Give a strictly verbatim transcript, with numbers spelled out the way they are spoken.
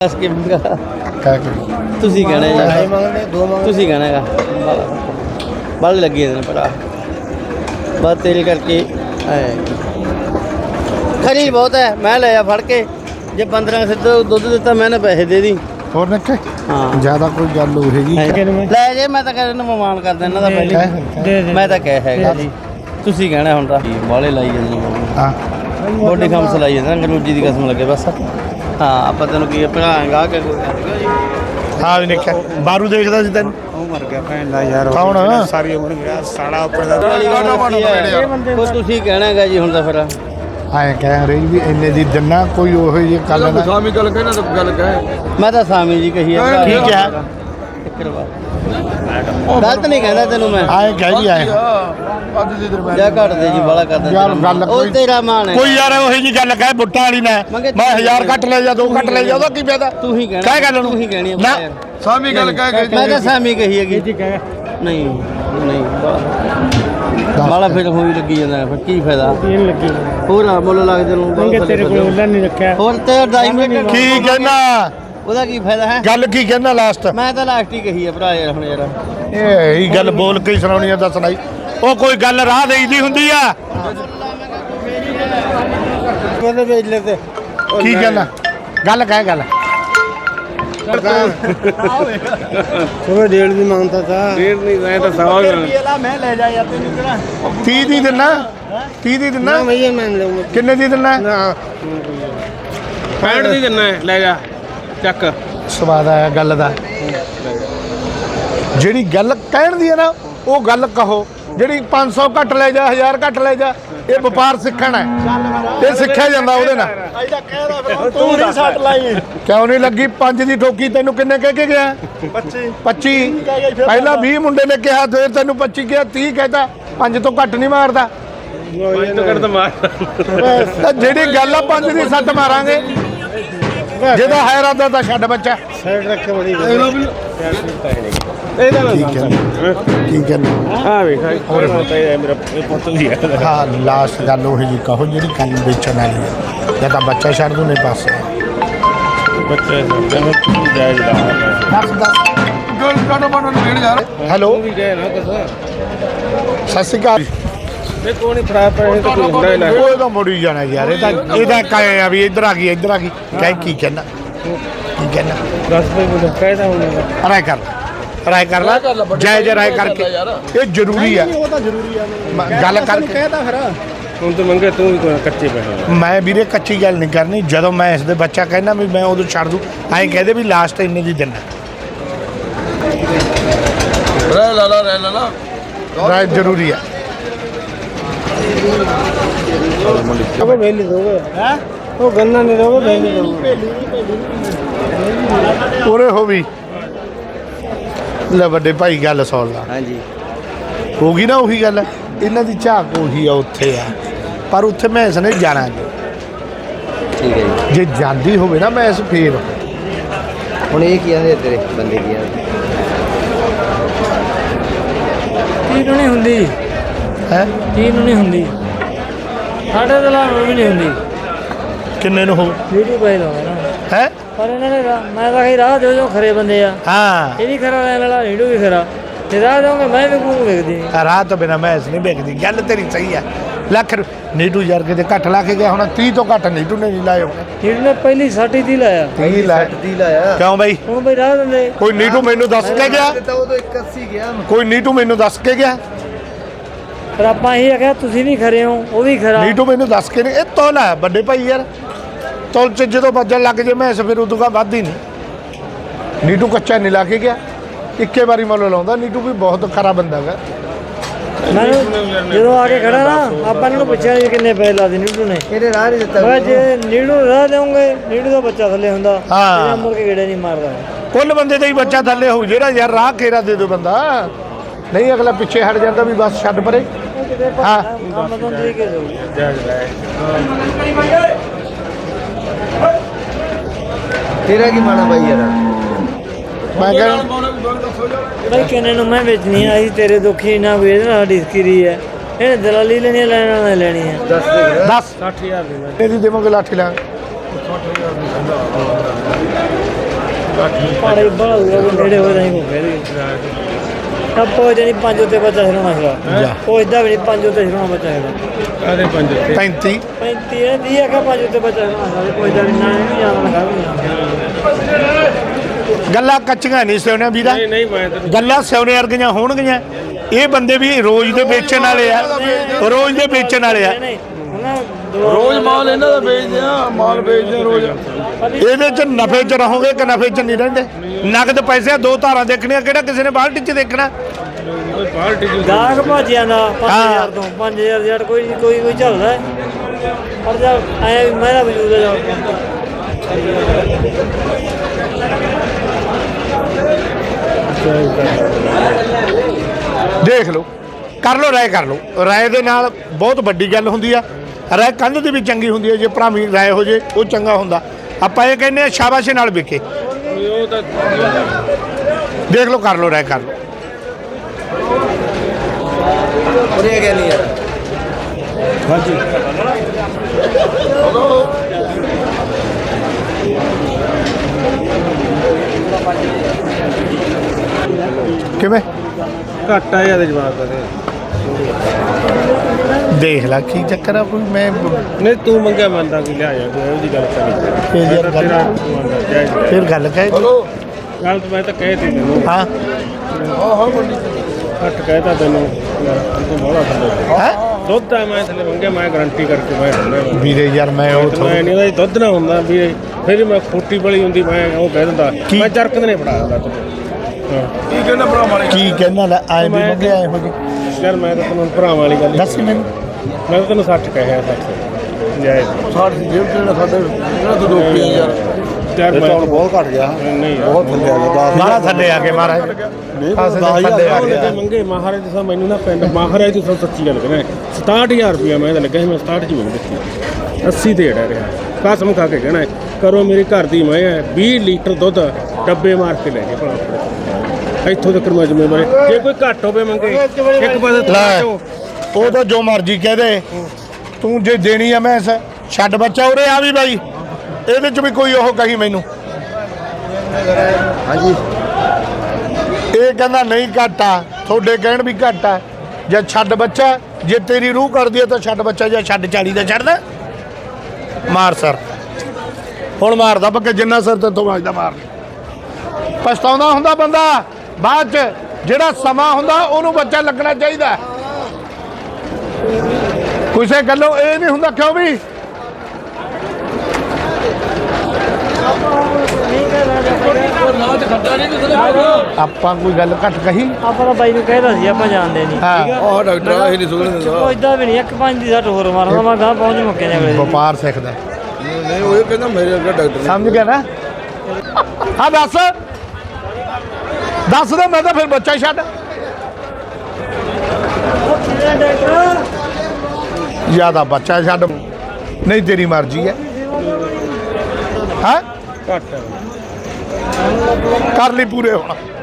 के ਤੁਸੀਂ ਕਹਿਣਾ ਤੁਸੀਂ ਕਹਿਣਾ ਹੈਗਾ ਬਲ ਲੱਗੀ ਇਹਦੇ ਭਰਾ ਬਸ ਤੇਰੇ ਕਰਕੇ ਖਰੀ ਬਹੁਤ ਹੈ। ਮੈਂ ਲਿਆ ਫੜ ਕੇ ਜੇ ਪੰਦਰਾਂ ਸਿੱਧਾ ਦੁੱਧ ਦਿੱਤਾ ਮੈਂ ਨਾ ਪੈਸੇ ਦੇ ਦੀ ਹੋਰ ਨਿੱਕੇ ਹਾਂ ਜ਼ਿਆਦਾ ਕੋਈ ਗੱਲ ਹੋ ਹੈਗੀ ਲੈ ਜੇ ਮੈਂ ਤਾਂ ਕਹਿੰਦਾ ਮਹਿਮਾਨ ਕਰਦਾ ਇਹਨਾਂ ਦਾ ਪਹਿਲੇ ਮੈਂ ਤਾਂ ਕਹਿ ਹੈਗਾ ਜੀ ਤੁਸੀਂ ਕਹਿਣਾ ਹੁਣ ਤਾਂ ਬਾਲੇ ਲਾਈ ਜਾਂਦੇ ਹਾਂ ਬੋਡੀ ਖਮਸ ਲਾਈ ਜਾਂਦੇ ਅੰਗਰੂਜੀ ਦੀ ਕਸਮ ਲੱਗੇ ਬਸ ਹਾਂ ਆਪਾਂ ਤੈਨੂੰ ਕੀ ਭਰਾਂਗਾ ਕਿ ਹਾਂ ਵੀ ਨਿੱਕਾ ਬਾਰੂ ਦੇਖਦਾ ਸੀ ਤੈਨੂੰ ਉਹ ਮਰ ਗਿਆ ਭੈਣ ਦਾ ਯਾਰ ਕੌਣ ਸਾਰੀ ਉਮਰ ਗਿਆ ਸਾੜਾ ਉੱਪਰ ਦਾ ਉਹ ਤੁਸੀਂ ਕਹਿਣਾ ਹੈਗਾ ਜੀ ਹੁਣ ਤਾਂ ਫਿਰ ਐਂ ਕਹਿ ਰਹੀ ਵੀ ਇੰਨੇ ਦੀ ਦਿਨਾ ਕੋਈ ਉਹੋ ਜਿਹੀ ਗੱਲ ਨਾ ਸਾਮੀ ਗੱਲ ਕਹਿਣਾ ਤਾਂ ਗੱਲ ਕਹੇ ਮੈਂ ਤਾਂ ਸਾਮੀ ਜੀ ਕਹੀ ਹੈ ਠੀਕ ਹੈ ਗਲਤ ਨਹੀਂ ਕਹਿੰਦਾ ਤੈਨੂੰ ਮੈਂ ਐਂ ਕਹਿ ਵੀ ਆਏ ਅੱਜ ਦੀ ਦਰਬਾਰ ਜਾ ਘੱਟ ਦੇ ਜੀ ਬੜਾ ਕਰਦਾ ਯਾਰ ਗੱਲ ਉਹ ਤੇਰਾ ਮਾਨ ਹੈ ਕੋਈ ਯਾਰ ਉਹੀ ਜੀ ਗੱਲ ਕਹੇ ਬੁੱਟਾਂ ਵਾਲੀ ਨਾ ਮੈਂ ਹਜ਼ਾਰ ਘੱਟ ਲੈ ਜਾ ਦੋ ਘੱਟ ਲੈ ਜਾ ਉਹਦਾ ਕੀ ਫਾਇਦਾ ਤੂੰ ਹੀ ਕਹਿਣਾ ਕਹਿ ਗੱਲ ਨੂੰ ਤੂੰ ਹੀ ਕਹਿਣੀ ਨਾ ਸਾਮੀ ਗੱਲ ਕਹਿ ਮੈਂ ਤਾਂ ਸਾਮੀ ਕਹੀ ਹੈਗੀ ਜੀ ਕਹਿ ਨਹੀਂ ਨਹੀਂ ਬਾਲਾ ਫਿਰ ਹੋਈ ਲੱਗੀ ਜਾਂਦਾ ਫਿਰ ਕੀ ਫਾਇਦਾ ਇਹਨ ਲੱਗੀ ਹੋਰ ਮੁੱਲ ਲੱਗਦੇ ਨੂੰ ਮੰਗੇ ਤੇਰੇ ਕੋਲ ਉਹਨਾਂ ਨਹੀਂ ਰੱਖਿਆ ਹੋਰ ਤੇ ਡਾਇਮੰਡ ਕੀ ਕਹਿਣਾ ਉਹਦਾ ਕੀ ਫਾਇਦਾ ਹੈ ਗੱਲ ਕੀ ਕਹਿਣਾ ਲਾਸਟ ਮੈਂ ਤਾਂ ਲਾਸਟ ਹੀ ਕਹੀ ਹੈ ਭਰਾ ਯਾਰ ਹੁਣ ਯਾਰ ਇਹ ਹੀ ਗੱਲ ਬੋਲ ਕੇ ਹੀ ਸੁਣਾਉਣੀ ਆ ਤਾਂ ਸੁਣਾਈ ਉਹ ਕੋਈ ਗੱਲ ਰਾਹ ਦੇਈਦੀ ਹੁੰਦੀ ਆ ਉਹਨੇ ਵੇਚ ਲੈ ਤੇ ਕੀ ਕਹਿਣਾ ਗੱਲ ਕਹਿ ਗੱਲ ਉਹ ਡੇਢ ਦੀ ਮੰਗਦਾ ਤਾਂ ਡੇਢ ਨਹੀਂ ਮੈਂ ਤਾਂ ਸਵਾ ਮੈਂ ਲੈ ਜਾ ਯਾਰ ਤੈਨੂੰ ਕਿਹੜਾ ਤੀਹ ਦੀ ਦਿਨਾ ਤੀਹ ਦੀ ਦਿਨਾ ਮੈਂ ਇਹ ਮੰਨ ਲਊਂਗਾ ਕਿੰਨੇ ਦੀ ਦਿਨਾ ਨਾ ਪੈਂਹਠ ਦੀ ਦਿੰਨਾ ਲੈ ਜਾ ਚੱਕ ਸਵਾਦ ਆਇਆ ਗੱਲ ਦਾ ਜਿਹੜੀ ਗੱਲ ਕਹਿਣ ਦੀ ਹੈ ਨਾ ਉਹ ਗੱਲ ਕਹੋ ਜਿਹੜੀ ਪੰਜ ਸੌ ਘੱਟ ਲੈ ਜਾ ਹਜ਼ਾਰ ਘੱਟ ਲੈ ਜਾ ਇਹ ਵਪਾਰ ਸਿੱਖਣਾ ਹੈ ਇਹ ਸਿੱਖਿਆ ਜਾਂਦਾ ਉਹਦੇ ਨਾਲ ਤੂੰ ਨਹੀਂ ਸੱਟ ਲਾਈ ਕਿਉਂ ਨਹੀਂ ਲੱਗੀ ਪੰਜ ਦੀ ਠੋਕੀ ਤੈਨੂੰ ਕਿੰਨੇ ਕਹਿ ਕੇ ਗਿਆ ਪੱਚੀ ਪੱਚੀ ਪਹਿਲਾਂ ਵੀਹ ਮੁੰਡੇ ਨੇ ਕਿਹਾ ਫਿਰ ਤੈਨੂੰ ਪੱਚੀ ਕਿਹਾ ਤੀਹ ਕਹਿਤਾ ਪੰਜ ਤੋਂ ਘੱਟ ਨਹੀਂ ਮਾਰਦਾ ਪੰਜ ਤੋਂ ਕੱਢ ਤਾਂ ਮਾਰ ਤਾਂ ਜਿਹੜੀ ਗੱਲ ਆ ਪੰਜ ਦੀ ਸੱਟ ਮਾਰਾਂਗੇ ਜਿਹਦਾ ਹੈ ਇਰਾਦਾ ਤਾਂ ਛੱਡ ਬੱਚਾ ਸਾਈਡ ਰੱਖ ਕੇ ਬੜੀ ਇਹਦਾ ਨਾ ਠੀਕ ਹੈ ਠੀਕ ਹੈ ਹਾਂ ਵੇਖ ਹੋਰ ਮੇਰਾ ਪੁੱਤ ਵੀ ਹੈ ਹਾਂ ਲਾਸਟ ਗੱਲ ਉਹ ਜੀ ਕਹੋ ਜਿਹੜੀ ਕੰਨ ਵੇਚਣ ਵਾਲੀ ਹੈ ਜਾਂ ਤਾਂ ਬੱਚਾ ਛੱਡ ਦੂ ਨਹੀਂ ਪਾਸੇ ਬੱਚੇ ਕਹਿੰਦੇ ਕੀ ਜਾਇਜ਼ ਦਾ ਦੱਸ ਦੱਸ ਗੋਲ ਕਾਟੋ ਬਣਨ ਨੇੜ ਯਾਰ ਹੈਲੋ ਵੀ ਗਏ ਨਾ ਕਸਾ ਸਤਿ ਸ਼੍ਰੀ ਅਕਾਲ ਮੈਂ ਕੋਣ ਹੀ ਫੜਾ ਪਏ ਤਾਂ ਕੋਈ ਹੁੰਦਾ ਹੀ ਨਾ ਉਹ ਤਾਂ ਮੁੜੀ ਜਾਣਾ ਯਾਰ ਇਹ ਤਾਂ ਇਹਦਾ ਕਾਏ ਆ ਵੀ ਇੱਧਰ ਆ ਗਈ ਇੱਧਰ ਆ ਗਈ ਕਹਿ ਕੀ ਕਹਿਣਾ ਕੀ ਕਹਿਣਾ ਦਸ ਰੁਪਏ ਬੋਲ ਕਹਿਦਾ ਹੁਣ ਰਾਏ ਕਰ ਰਾਏ ਕਰ ਲੈ ਜੈ ਜੈ ਰਾਏ ਕਰਕੇ ਇਹ ਜ਼ਰੂਰੀ ਆ ਉਹ ਤਾਂ ਜ਼ਰੂਰੀ ਆ ਗੱਲ ਕਰਕੇ ਕਹਿਦਾ ਫਿਰ ਹੁਣ ਤਾਂ ਮੰਗੇ ਤੂੰ ਵੀ ਕੋਈ ਕੱਚੇ ਪੈਸੇ ਮੈਂ ਵੀਰੇ ਕੱਚੀ ਗੱਲ ਨਹੀਂ ਕਰਨੀ ਜਦੋਂ ਮੈਂ ਇਸ ਦੇ ਬੱਚਾ ਕਹਿਣਾ ਵੀ ਮੈਂ ਉਦੋਂ ਛੱਡ ਦੂੰ ਐਂ ਕਹਦੇ ਵੀ ਲਾਸਟ ਇੰਨੇ ਦੀ ਦਿਨ ਰਹਿ ਲਾ ਲਾ ਰਹਿ ਲਾ ਲਾ ਰਾਏ ਜ਼ਰੂਰੀ ਆ ਉਹ ਵੇਲੀ ਦੋਗੇ ਹੈ ਉਹ ਗੰਨਾ ਨਹੀਂ ਦੋਗੇ ਵੇਲੀ ਦੋਗੇ ਉਰੇ ਹੋ ਵੀ ਲੈ ਵੱਡੇ ਭਾਈ ਗੱਲ ਸੁਣ ਲਾ ਹਾਂਜੀ ਹੋ ਗਈ ਨਾ ਉਹੀ ਗੱਲ ਇਹਨਾਂ ਦੀ ਝਾਕ ਉਹੀ ਆ ਉੱਥੇ ਆ ਪਰ ਉੱਥੇ ਮੈਂ ਇਸ ਨੇ ਜਾਣਾ ਨਹੀਂ ਠੀਕ ਹੈ ਜੀ ਜੇ ਜਾਂਦੀ ਹੋਵੇ ਨਾ ਮੈਂ ਇਸ ਫੇਰ ਹੁਣ ਇਹ ਕੀ ਆਂਦੇ ਤੇਰੇ ਬੰਦੇ ਕੀ ਆ ਕੀ ਨੂੰ ਨਹੀਂ ਹੁੰਦੀ ਹੈ ਕੀ ਨੂੰ ਨਹੀਂ ਹੁੰਦੀ ਸਾਡੇ ਦੇ ਲਾ ਵੀ ਨਹੀਂ ਹੁੰਦੀ ਕਿੰਨੇ ਨੂੰ ਹੋ ਵੀਡੀਓ ਪਾਈ ਲਾਉਂਦਾ ਨਾ ਹੈ ਪਰ ਇਹਨਾਂ ਨੇ ਰਾਹ- ਮੈਂ ਤਾਂ ਕਹੀ ਰਾਹ ਦਿਓ ਜੋ ਖਰੇ ਬੰਦੇ ਆ ਹਾਂ ਇਹ ਵੀ ਖਰਾ ਲੈਣ ਵਾਲਾ ਹੀੜੂ ਵੀ ਖਰਾ ਤੇ ਰਾਹ ਦੋਗੇ ਮੈਂ ਵੀ ਕੂੰ ਵੇਖਦੀ ਰਾਹ ਤੋਂ ਬਿਨਾ ਮੈਂ ਇਸ ਨਹੀਂ ਵੇਖਦੀ ਗੱਲ ਤੇਰੀ ਸਹੀ ਆ ਲੱਖ ਰੁ- ਨੀਟੂ ਯਾਰ ਕਿਤੇ ਘੱਟ ਲਾ ਕੇ ਗਿਆ ਹੁਣ ਤੀਹ ਤੋਂ ਘੱਟ ਨੀਟੂ ਨੇ ਨਹੀਂ ਲਾਏ ਹੋਣੇ ਹੀੜੂ ਨੇ ਪਹਿਲੀ ਸਾਟੀ ਦੀ ਲਾਇਆ ਤੀਹ ਲਾਏ ਦੀ ਲਾਇਆ ਕਿਉਂ ਬਈ ਹੁਣ ਬਈ ਰਾਹ ਦਿੰਦੇ ਕੋਈ ਨੀਟੂ ਮੈਨੂੰ ਦੱਸ ਕੇ ਗਿਆ ਤਾਂ ਉਦੋਂ ਇੱਕ ਅੱਸੀ ਗਿਆ ਕੋਈ ਨੀਟੂ ਮੈਨੂੰ ਦੱਸ ਕੇ ਗਿਆ ਪਰ ਆਪਾਂ ਇਹ ਆਖਿਆ ਤੁਸੀਂ ਵੀ ਖਰੇ ਹੋ ਉਹ ਵੀ ਖਰਾ ਨੀਟੂ ਮੈਨੂੰ ਦੱਸ ਕੇ ਨਹੀਂ ਇਹ ਤੋਲ ਹੈ ਵੱਡੇ ਭਾਈ ਯਾਰ ਤੋਲ ਚ ਜਦੋਂ ਵੱਜਣ ਲੱਗ ਜੇ ਮੈਂ ਫਿਰ ਉਦੋਂ ਕਾ ਵੱਧ ਹੀ ਨਹੀਂ ਨੀਟੂ ਕੱਚਾ ਨਹੀਂ ਲਾ ਕੇ ਗਿਆ ਇੱਕੇ ਵਾਰੀ ਮੁੱਲ ਲਾਉਂਦਾ ਨੀਟੂ ਵੀ ਬਹੁਤ ਖਰਾ ਬੰਦਾ ਹੈਗਾ ਮੈਨੂੰ ਜਦੋਂ ਆ ਕੇ ਖੜਾ ਨਾ ਆਪਾਂ ਇਹਨੂੰ ਪੁੱਛਿਆ ਜੀ ਕਿੰਨੇ ਪੈਸੇ ਲਾ ਦੇ ਨੀੜੂ ਨੇ ਇਹਨੇ ਰਾਹ ਨਹੀਂ ਦਿੱਤਾ ਮੈਂ ਜੇ ਨੀੜੂ ਰਾਹ ਦੇਉਂਗੇ ਨੀੜੂ ਦਾ ਬੱਚਾ ਥੱਲੇ ਹੁੰਦਾ ਹਾਂ। ਇਹ ਮੁੜ ਕੇ ਗੇੜੇ ਨਹੀਂ ਮਾਰਦਾ ਕੁੱਲ ਬੰਦੇ ਦਾ ਹੀ ਬੱਚਾ ਥੱਲੇ ਹੋਊ ਜਿਹੜਾ ਯਾਰ ਰਾਹ ਖੇਰਾ ਦੇ ਦੋ ਬੰਦਾ ਨਹੀਂ ਅਗਲਾ ਪਿੱਛੇ ਹਟ ਜਾਂਦਾ ਵੀ ਬਸ ਛੱਡ ਪਰੇ ਹਾਂ ਕੰਮ ਤੋਂ ਠੀਕ ਹੈ ਜੋ ਤੇਰਾ ਕੀ ਮਾਣਾ ਬਾਈ ਯਾਰ ਮੈਂ ਕਹਿੰਦਾ ਬਈ ਕਿੰਨੇ ਨੂੰ ਮੈਂ ਵੇਚਣੀ ਆਈ ਤੇਰੇ ਦੁੱਖੀ ਨਾ ਵੇਚ ਨਾ ਸਾਡੀ ਸਕਰੀ ਹੈ ਇਹ ਦਲਾਲੀ ਲੈਣੀ ਲੈਣਾ ਨਾ ਲੈਣੀ ਹੈ ਦੱਸ ਦੇ ਦਸ ਸੱਠ ਹਜ਼ਾਰ ਦੇ ਇਹਦੀ ਦੇਵਾਂਗੇ ਲਾਠੀ ਲਾਂ ਪਾੜੇ ਬੜਾ ਨੇੜੇ ਹੋ ਜਾਈ ਕੋ ਫੇਰ ਤਾਂ ਪਹੁੰਚ ਜਾਣੀ ਪੰਜ ਉੱਤੇ ਬੱਚਾ ਛਡਾਉਣਾ ਸੀਗਾ ਪਹੁੰਚਦਾ ਵੀ ਨਹੀਂ ਪੰਜ ਉੱਤੇ ਛਡਾਉਣਾ ਬੱਚਾ ਹੈਗਾ ਆਦੇ ਪੰਜ ਉੱਤੇ ਪੈਂਤੀ ਪੈਂਤੀ ਇਹ ਦੀ ਹੈਗਾ ਪੰਜ ਉੱਤੇ ਬੱਚਾ ਛਡਾਉਣਾ ਸੀਗਾ ਪਹੁੰਚਦਾ ਵੀ ਨਾ ਨਹੀਂ ਜਾਣਾ ਲਗਾ ਵੀ ਗੱਲਾਂ ਕੱਚੀਆਂ ਨਹੀਂ ਸਿਉਣੇ ਵੀਰਾ ਨਹੀਂ ਨਹੀਂ ਮੈਂ ਤੈਨੂੰ ਗੱਲਾਂ ਸਿਉਣੇ ਵਰਗੀਆਂ ਹੋਣਗੀਆਂ ਇਹ ਬੰਦੇ ਵੀ ਰੋਜ਼ ਦੇ ਵੇਚਣ ਵਾਲੇ ਆ ਰੋਜ਼ ਦੇ ਵੇਚਣ ਵਾਲੇ ਆ ਰੋਜ਼ ਮਾਲ ਇਹਨਾਂ ਦਾ ਵੇਚਦੇ ਆ ਮਾਲ ਵੇਚਦੇ ਆ ਰੋਜ਼ ਇਹਦੇ ਚ ਨਫੇ ਚ ਰਹੋਗੇ ਕਿ ਨਫੇ ਚ ਨਹੀਂ ਰਹਿੰਦੇ ਨਗਦ ਪੈਸੇ ਦੋ ਧਾਰਾਂ ਦੇਖਣੀਆਂ ਕਿਹੜਾ ਕਿਸੇ ਨੇ ਬਾਲਟੀ ਚ ਦੇਖਣਾ ਬਾਲਟੀ ਜੂ ਗਾਹਕ ਭਾਜਿਆਂ ਦਾ ਪੰਜ ਹਜ਼ਾਰ ਤੋਂ ਪੰਜ ਹਜ਼ਾਰ ਜੜ ਕੋਈ ਕੋਈ ਕੋਈ ਚੱਲਦਾ ਪਰ ਜਦ ਐ ਮੇਰਾ ਵਜੂਦ ਹੈ ਦੇਖ ਲਓ ਕਰ ਲਓ ਰਾਏ ਕਰ ਲਓ ਰਾਏ ਦੇ ਨਾਲ ਬਹੁਤ ਵੱਡੀ ਗੱਲ ਹੁੰਦੀ ਆ ਰਾਏ ਕੰਧ ਦੀ ਵੀ ਚੰਗੀ ਹੁੰਦੀ ਹੈ ਜੇ ਭਰਾਵੀਂ ਰਾਏ ਹੋ ਜੇ ਉਹ ਚੰਗਾ ਹੁੰਦਾ ਆਪਾਂ ਇਹ ਕਹਿੰਦੇ ਆ ਸ਼ਾਬਾਸ਼ੇ ਨਾਲ ਵਿਕੇ ਉਹ ਤਾਂ ਦੇਖ ਲਓ ਕਰ ਲਓ ਰਾਏ ਕਰ ਲਓ ਉਰੇ ਗਿਆ ਨਹੀਂ ਯਾਰ ਹਾਂਜੀ ਕਿਵੇਂ ਘੱਟ ਆ ਇਹਦੇ ਜਵਾਬ ਦਾ ਦੇਖ ਲੈ ਕੀ ਚੱਕਰ ਆ ਕੋਈ ਮੈਂ ਨਹੀਂ ਤੂੰ ਮੰਗਿਆ ਮੰਨਦਾ ਕਿ ਲਿਆ ਜਾ ਤੂੰ ਇਹੋ ਜਿਹੀ ਗੱਲ ਕਰੀ ਫਿਰ ਯਾਰ ਗੱਲ ਫਿਰ ਗੱਲ ਕਹਿ ਗੱਲ ਤਾਂ ਮੈਂ ਤਾਂ ਕਹਿ ਤੀ ਤੈਨੂੰ ਹਾਂ ਘੱਟ ਕਹਿਤਾ ਤੈਨੂੰ ਯਾਰ ਤੂੰ ਬੋਲਾ ਥੱਲੇ ਹੈ ਦੁੱਧ ਆ ਮੈਂ ਥੱਲੇ ਮੰਗਿਆ ਮੈਂ ਗਾਰੰਟੀ ਕਰਕੇ ਮੈਂ ਦਿੰਦਾ ਵੀਰੇ ਯਾਰ ਮੈਂ ਉਹ ਮੈਂ ਨਹੀਂ ਉਹਦਾ ਦੁੱਧ ਨਾ ਹੁੰਦਾ ਵੀਰੇ ਫਿਰ ਮੈਂ ਖੋਟੀ ਬਲੀ ਹੁੰਦੀ ਮੈਂ ਉਹ ਕਹਿ ਦਿੰਦਾ ਮੈਂ ਜਰਕਦ ਨੇ ਫੜਾ ਦਿੰਦਾ ਤੈਨੂੰ ਹਾਂ ਕੀ ਕਹਿੰਦਾ ਭਰਾ ਮਾਰੇ ਕੀ ਕਹਿਣਾ ਲੈ ਆਏ ਵੀ ਮੰਗਿਆ ਇਹੋ ਜੀ ਯਾਰ ਮੈਂ ਤਾਂ ਤੈਨੂੰ ਭਰਾਵਾਂ ਵਾਲੀ ਗੱਲ ਦੱਸ ਮੈਨੂੰ ਮੈਂ ਤਾਂ ਤੈਨੂੰ ਸੱਚ ਕਹਿਆ ਸੱਚ ਜਾਇਜ਼ ਸਾਡ ਦੀ ਜੇਬ ਤੇ ਸਾਡੇ ਇਹਨਾਂ ਤੋਂ ਰੋਕੀ ਯਾਰ ਯਾਰ ਮੈਂ ਬਹੁਤ ਘਟ ਗਿਆ ਨਹੀਂ ਯਾਰ ਬਹੁਤ ਥੱਲੇ ਆ ਗਿਆ ਮਾਰਾ ਥੱਲੇ ਆ ਕੇ ਮਹਾਰਾਜ ਪਾਸੇ ਦੇ ਥੱਲੇ ਆ ਉਹਨੇ ਗਿਆ ਤੇ ਮੰਗੇ ਮਹਾਰਾਜ ਸਾਹਿਬ ਮੈਨੂੰ ਨਾ ਪਿੰਡ ਮਹਾਰਾਜ ਤੋਂ ਸੱਚੀ ਗੱਲ ਕਰਾਂ ਸਤਾਹਠ ਹਜ਼ਾਰ ਰੁਪਇਆ ਮੈਂ ਤਾਂ ਲੱਗਾ ਸੀ ਮੈਂ ਸਤਾਹਠ ਚ ਮੰਗ ਦਿੱਤੀ ਅੱਸੀ ਤੇ ਢਾ ਰਿਹਾ ਕਸਮ ਖਾ ਕੇ ਕਹਿਣਾ ਕਰੋ ਮੇਰੀ ਘਰ ਦੀ ਮੈਂ ਵੀਹ ਲੀਟਰ ਦੁੱਧ ਡੱਬੇ ਮਾਰ ਕੇ ਲੈ ਜੇ ਭਲਾ ਇੱਥੋਂ ਤੱਕ ਮੈਂ ਜ਼ਿੰਮੇਵਾਰੀ ਜੇ ਕੋਈ ਘੱਟ ਹੋਵੇ ਮੰਗੇ ਇੱਕ ਪਾਸੇ ਲੈ ਉਹ ਤਾਂ ਜੋ ਮਰਜ਼ੀ ਕਹਿ ਦੇ ਤੂੰ ਜੇ ਦੇਣੀ ਆ ਮੈਂ ਛੱਡ ਬੱਚਾ ਉਰੇ ਆ ਵੀ ਬਾਈ ਇਹਦੇ ਚ ਵੀ ਕੋਈ ਉਹ ਕਹੀ ਮੈਨੂੰ ਹਾਂਜੀ ਇਹ ਕਹਿੰਦਾ ਨਹੀਂ ਘੱਟ ਆ ਤੁਹਾਡੇ ਕਹਿਣ ਵੀ ਘੱਟ ਆ ਜੇ ਛੱਡ ਬੱਚਾ ਜੇ ਤੇਰੀ ਰੂਹ ਕਰਦੀ ਆ ਤਾਂ ਛੱਡ ਬੱਚਾ ਜਾਂ ਛੱਡ ਚਾਲੀ ਦਾ ਛੱਡਦਾ ਮਾਰ ਸਰ ਹੁਣ ਮਾਰਦਾ ਪੱਕੇ ਜਿੰਨਾ ਸਰ ਤੇ ਤੋਂ ਵੱਜਦਾ ਮਾਰ ਪਛਤਾਉਂਦਾ ਹੁੰਦਾ ਬੰਦਾ ਬਾਅਦ ਚ ਜਿਹੜਾ ਸਮਾਂ ਹੁੰਦਾ ਉਹਨੂੰ ਬੱਚਾ ਲੱਗਣਾ ਚਾਹੀਦਾ ਕਿਸੇ ਗੱਲੋਂ ਇਹ ਨਹੀਂ ਹੁੰਦਾ ਕਿਉਂ ਵੀ ਆਪਾਂ ਕੋਈ ਗੱਲ ਘੱਟ ਕਹੀ ਆਪਾਂ ਤਾਂ ਬਾਈ ਨੂੰ ਕਹਿਦਾ ਸੀ ਆਪਾਂ ਜਾਣਦੇ ਨਹੀਂ ਹਾਂ ਆਹ ਡਾਕਟਰ ਆ ਇਹ ਨਹੀਂ ਸੁਣਨ ਦਿੰਦਾ ਉਹ ਇਦਾਂ ਵੀ ਨਹੀਂ ਇੱਕ ਪੰਜ ਦੀ ਸੱਟ ਹੋਰ ਮਾਰਦਾ ਮੈਂ ਗਾਹ ਪਹੁੰਚ ਮੁੱਕੇ ਨੇ ਅਗਲੇ ਵਪਾਰ ਸਿੱਖਦਾ ਨਹੀਂ ਉਹ ਕਹਿੰਦਾ ਮੇਰੇ ਅੱਗੇ ਡਾਕਟਰ ਸਮਝ ਗਿਆ ਨਾ ਹਾਂ ਦੱਸ ਦੱਸ ਦੇ ਮੈਂ ਤਾਂ ਫਿਰ ਬੱਚਾ ਹੀ ਛੱਡ ਜਿਆਦਾ ਬੱਚਾ ਛੱਡ ਨਹੀਂ ਤੇਰੀ ਮਰਜ਼ੀ ਹੈ ਹਾਂ ਘੱਟ ਕਰ ਲਈ ਪੂਰੇ ਹੁਣ